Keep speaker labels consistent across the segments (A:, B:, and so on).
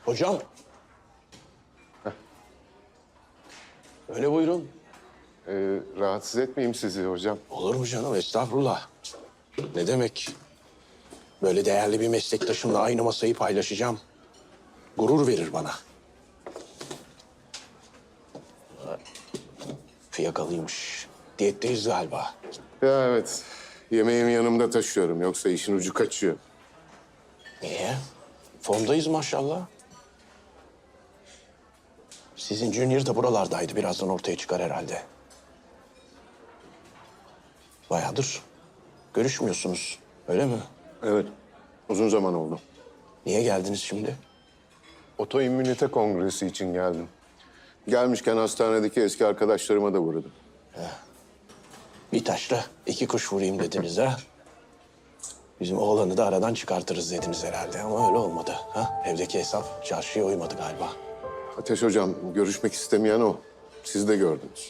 A: Hocam. Öyle buyurun.
B: Rahatsız etmeyeyim sizi hocam.
A: Olur mu canım? Estağfurullah. Ne demek? Böyle değerli bir meslektaşımla aynı masayı paylaşacağım. Gurur verir bana. Fiyakalıymış. Diyetteyiz galiba.
B: Ya evet. Yemeğimi yanımda taşıyorum. Yoksa işin ucu kaçıyor.
A: Niye? Formdayız maşallah. Sizin Junior da buralardaydı. Birazdan ortaya çıkar herhalde. Bayağıdır görüşmüyorsunuz. Öyle mi?
B: Evet. Uzun zaman oldu.
A: Niye geldiniz şimdi?
B: Otoimmünite kongresi için geldim. Gelmişken hastanedeki eski arkadaşlarıma da uğradım.
A: Bir taşla iki kuş vurayım dediniz ha? Bizim oğlanı da aradan çıkartırız dediniz herhalde ama öyle olmadı. Ha? Evdeki hesap çarşıya uymadı galiba.
B: Ateş hocam, görüşmek istemeyen o. Siz de gördünüz.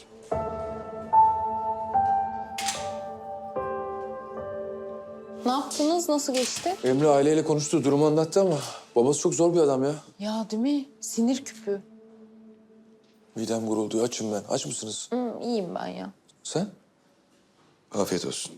C: Ne yaptınız? Nasıl geçti?
D: Emre aileyle konuştu, durumu anlattı ama babası çok zor bir adam ya.
C: Ya değil mi? Sinir küpü.
D: Midem gurulduyor, açım ben. Aç mısınız?
C: İyiyim ben ya.
D: Sen? Afiyet olsun.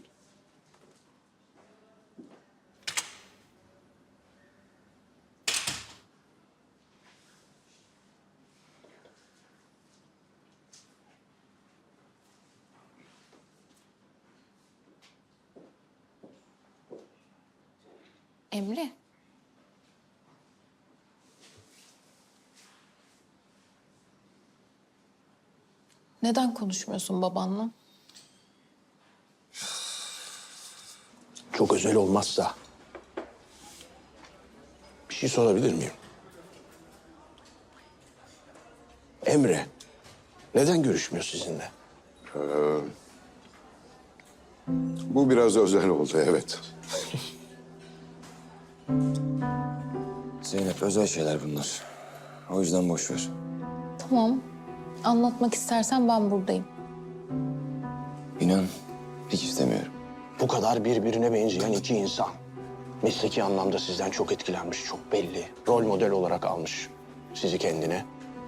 C: Emre. Neden konuşmuyorsun babanla?
A: Çok özel olmazsa bir şey sorabilir miyim? Emre, neden görüşmüyor sizinle?
B: Bu biraz özel oldu, evet.
D: Zeynep, özel şeyler bunlar. O yüzden boş ver.
C: Tamam. Anlatmak istersen ben buradayım.
D: İnan, hiç istemiyorum.
A: Bu kadar birbirine benzeyen iki insan. Mesleki anlamda sizden çok etkilenmiş, çok belli. Rol model olarak almış sizi kendine.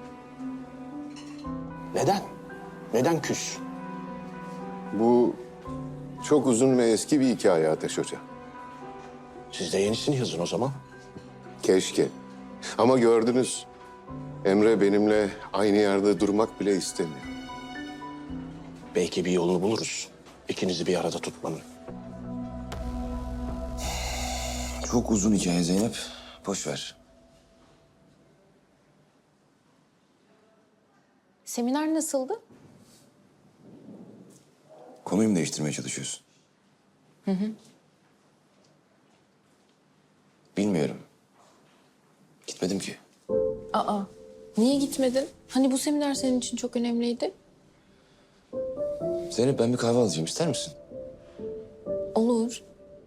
A: Neden? Neden küs?
B: Bu çok uzun ve eski bir hikaye Ateş Hoca.
A: Siz de yenisini yazın o zaman.
B: Keşke. Ama gördünüz, Emre benimle aynı yerde durmak bile istemiyor.
A: Belki bir yolunu buluruz. İkinizi bir arada tutmanın.
D: Çok uzun hikaye Zeynep. Boş ver.
C: Seminer nasıldı?
D: Konuyu mu değiştirmeye çalışıyorsun? Bilmiyorum. Gitmedim ki.
C: Aa. Niye gitmedin? Hani bu seminer senin için çok önemliydi.
D: Zeynep, ben bir kahve alacağım. İster misin?
C: Olur.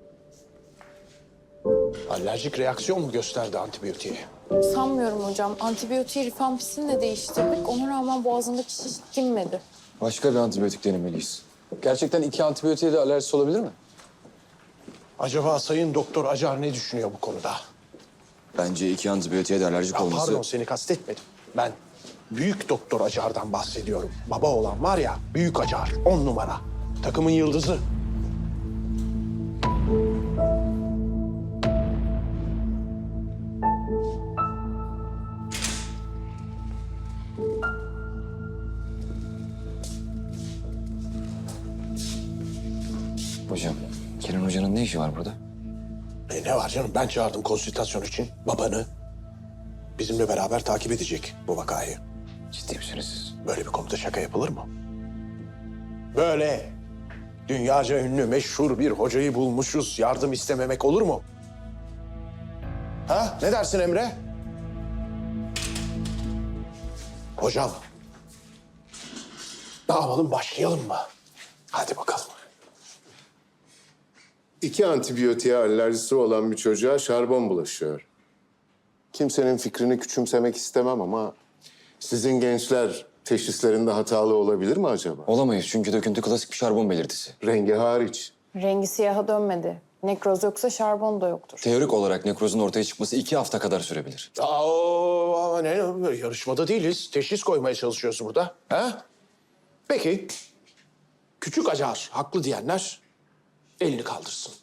A: Alerjik reaksiyon mu gösterdi antibiyotiğe?
C: Sanmıyorum hocam. Antibiyotiği rifampicini de değiştirdik. Ona rağmen boğazındaki şiş dinmedi.
D: Başka bir antibiyotik denemeliyiz. Gerçekten iki antibiyotiğe de alerjisi olabilir mi?
A: Acaba Sayın Doktor Acar ne düşünüyor bu konuda?
D: Bence iki antibiyotiğe de alerjik
A: Ya
D: olması...
A: pardon, seni kastetmedim. Ben Büyük Doktor Acar'dan bahsediyorum. Baba olan var ya, Büyük Acar, 10 numara. Takımın yıldızı.
D: Hocam, Kenan Hoca'nın ne işi var burada?
A: Ne var canım? Ben çağırdım konsültasyon için babanı. Bizimle beraber takip edecek bu vakayı.
D: Ciddi misiniz siz?
A: Böyle bir konuda şaka yapılır mı? Böyle dünyaca ünlü, meşhur bir hocayı bulmuşuz. Yardım istememek olur mu? Ha? Ne dersin Emre? Hocam. Ne yapalım, başlayalım mı? Hadi bakalım.
B: İki antibiyotiğe alerjisi olan bir çocuğa şarbon bulaşıyor. Kimsenin fikrini küçümsemek istemem ama sizin gençler teşhislerinde hatalı olabilir mi acaba?
D: Olamayız çünkü döküntü klasik bir şarbon belirtisi.
B: Rengi hariç.
C: Rengi siyaha dönmedi. Nekroz yoksa şarbon da yoktur.
D: Teorik olarak nekrozun ortaya çıkması 2 hafta kadar sürebilir.
A: Ama ne yarışmada değiliz. Teşhis koymaya çalışıyoruz burada. Ha? Peki. Küçük Acar haklı diyenler elini kaldırsın.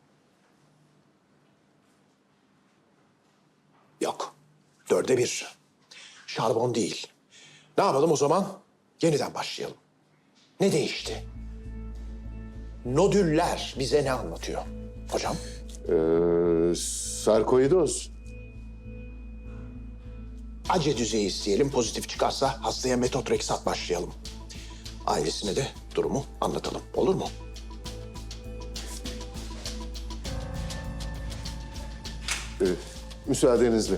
A: Yok. 4'e 1. Şarbon değil. Ne yapalım o zaman? Yeniden başlayalım. Ne değişti? Nodüller bize ne anlatıyor? Hocam?
B: Sarkoidoz.
A: Ace düzeyi isteyelim. Pozitif çıkarsa hastaya metotreksat başlayalım. Ailesine de durumu anlatalım. Olur mu?
B: Müsaadenizle.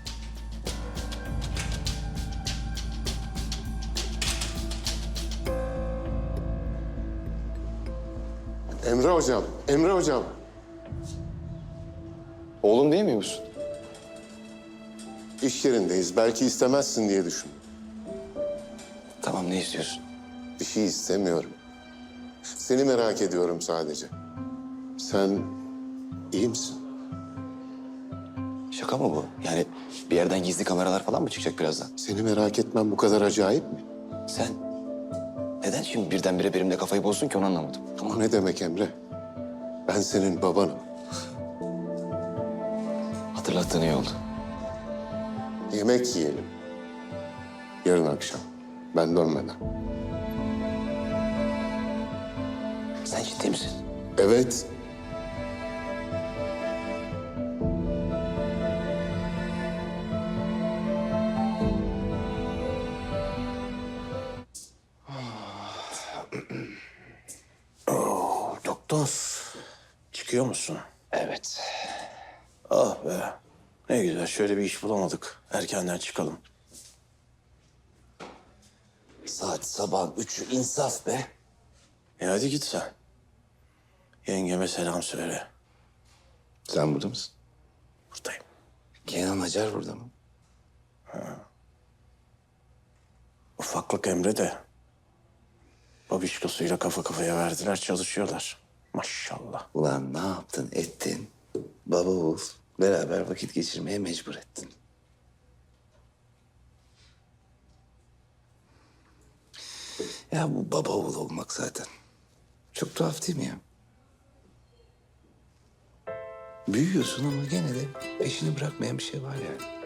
B: Emre hocam, Emre hocam.
D: Oğlum değil mi musun?
B: İş yerindeyiz. Belki istemezsin diye düşün.
D: Tamam, ne istiyorsun?
B: Bir şey istemiyorum. Seni merak ediyorum sadece. Sen iyi misin?
E: Şaka mı bu? Yani bir yerden gizli kameralar falan mı çıkacak birazdan?
B: Seni merak etmem bu kadar acayip mi?
E: Sen neden şimdi birdenbire benimle kafayı bozdun ki onu anlamadım.
B: O ne demek Emre? Ben senin babanım.
E: Hatırlattığın iyi oldu.
B: Yemek yiyelim. Yarın akşam. Ben dönmeden.
E: Sen ciddi misin?
B: Evet.
A: Doktor, çıkıyor musun?
E: Evet.
A: Ah be. Ne güzel, şöyle bir iş bulamadık. Erkenden çıkalım.
E: Saat sabah 3'ü insaf be.
A: Hadi git sen. Yengeme selam söyle.
E: Sen burada mısın?
A: Buradayım.
E: Kenan Acar burada mı?
A: Ufaklık Emre de babişkosuyla kafa kafaya verdiler, çalışıyorlar. Maşallah.
E: Ulan ne yaptın ettin? Baba oğul beraber vakit geçirmeye mecbur ettin. Ya bu baba oğul olmak zaten. Çok tuhaf değil mi ya? Büyüyorsun ama gene de peşini bırakmayan bir şey var yani.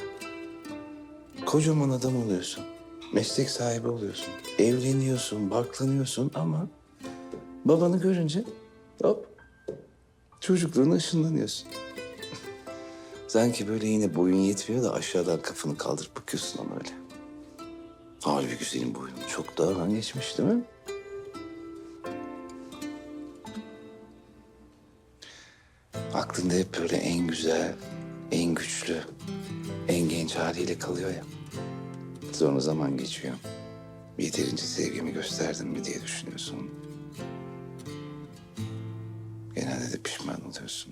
E: Kocaman adam oluyorsun. Meslek sahibi oluyorsun. Evleniyorsun, barklanıyorsun ama babanı görünce hop çocukluğuna ışınlanıyorsun. Sanki böyle yine boyun yetmiyor da aşağıdan kafanı kaldırıp bakıyorsun ona öyle. Halbuki senin boyun çok daha geçmiş değil mi? Aklında hep böyle en güzel, en güçlü, en genç haliyle kalıyor ya. Sonra zaman geçiyor. Yeterince sevgimi gösterdim mi diye düşünüyorsun. Genelde de pişman oluyorsun.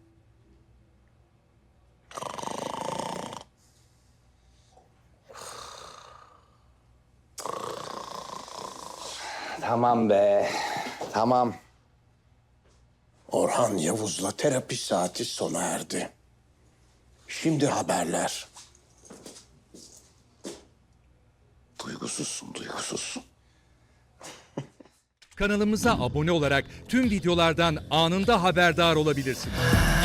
E: Tamam be, tamam.
A: Orhan Yavuz'la terapi saati sona erdi. Şimdi haberler.
E: Duygusuzsun, duygusuz.
F: Kanalımıza abone olarak tüm videolardan anında haberdar olabilirsiniz.